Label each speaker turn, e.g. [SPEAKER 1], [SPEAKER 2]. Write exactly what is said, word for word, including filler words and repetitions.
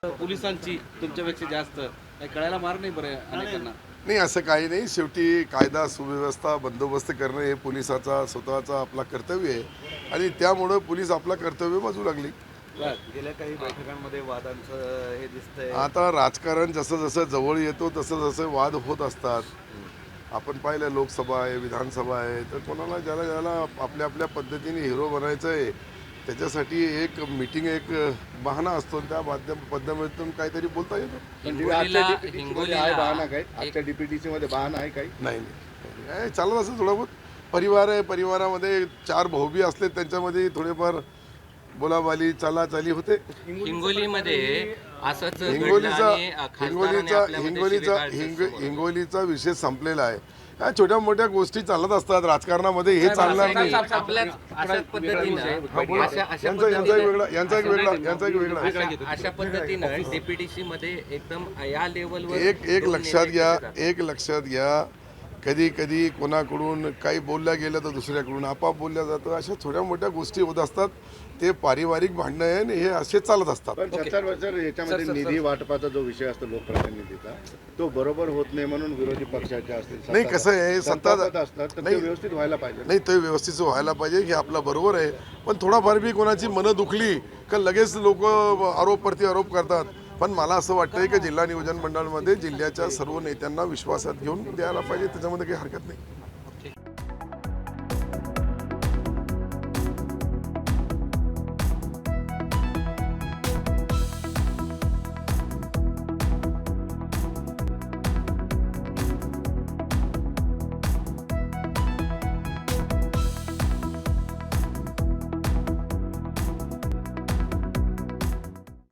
[SPEAKER 1] पोलिसांची तुमच्यापेक्षा जास्त काही कळायला मार नाही बरं अनेकांना?
[SPEAKER 2] नाही, असं काही नाही. शेवटी कायदा सुव्यवस्था बंदोबस्त करणं हे पोलिसाचा स्वतःचा आपला कर्तव्य आहे आणि त्यामुळं पोलीस आपला कर्तव्य बाजू लागली.
[SPEAKER 3] गेल्या काही बैठकांमध्ये वादांचं हे दिसतंय.
[SPEAKER 2] आता राजकारण जसं जसं जवळ येतो तसं जसं वाद होत असतात. आपण पाहिलं लोकसभा आहे, विधानसभा आहे, तर कोणाला ज्याला ज्याला आपल्या आपल्या पद्धतीने हिरो बनायचं आहे त्याच्यासाठी एक मीटिंग एक बहाणा असतो आणि त्या माध्यम पद्धतीतून काहीतरी बोलता येतं.
[SPEAKER 3] आहे बहाणा काही आजच्या डीपीटीसी मध्ये बहाणा आहे काही
[SPEAKER 2] नाही नाही काय चालत असं थोडं बहुत परिवार आहे, परिवारामध्ये चार भाऊबी असले त्यांच्यामध्ये थोडेफार बोलाबाली चालाचाली होते.
[SPEAKER 4] हिंगोलीमध्ये असंच
[SPEAKER 2] हिंगोलीचा हिंगोलीचा हिंगोलीचा हिंग हिंगोलीचा विषय संपलेला आहे. या छोट्या मोठ्या गोष्टी चालत असतात राजकारणामध्ये, हे चालणार नाही.
[SPEAKER 4] अशा पद्धतीनं
[SPEAKER 2] यांचा यांचा एक वेगळा यांचा एक वेगळा यांचा एक वेगळा
[SPEAKER 4] अशा पद्धतीनं डीपीटीसी मध्ये एकदम या लेवलवर
[SPEAKER 2] एक एक लक्षात घ्या एक लक्षात घ्या कधी कधी कोणाकडून काही बोलल्या गेलं तर दुसऱ्याकडून आपाप बोलल्या जातं. अशा छोट्या मोठ्या गोष्टी होत असतात. ते पारिवारिक भांडणं आहे आणि हे असे चालत असतात.
[SPEAKER 3] पण सत्तर सर याच्यामध्ये निधी वाटपाचा जो विषय असतो लोकप्रतिनिधीचा तो बरोबर होत नाही म्हणून विरोधी पक्षाचे असतील
[SPEAKER 2] नाही, कसं आहे, सत्ता
[SPEAKER 3] असतात तर ते व्यवस्थित व्हायला पाहिजे.
[SPEAKER 2] नाही, ते व्यवस्थित व्हायला पाहिजे हे आपलं बरोबर आहे. पण थोडाफार बी कोणाची मनं दुखली का लगेच लोक आरोप प्रति आरोप करतात. पण मला असं वाटतंय की जिल्हा नियोजन मंडळामध्ये जिल्ह्याच्या सर्व नेत्यांना विश्वासात घेऊन द्यायला पाहिजे, त्याच्यामध्ये काही हरकत नाही.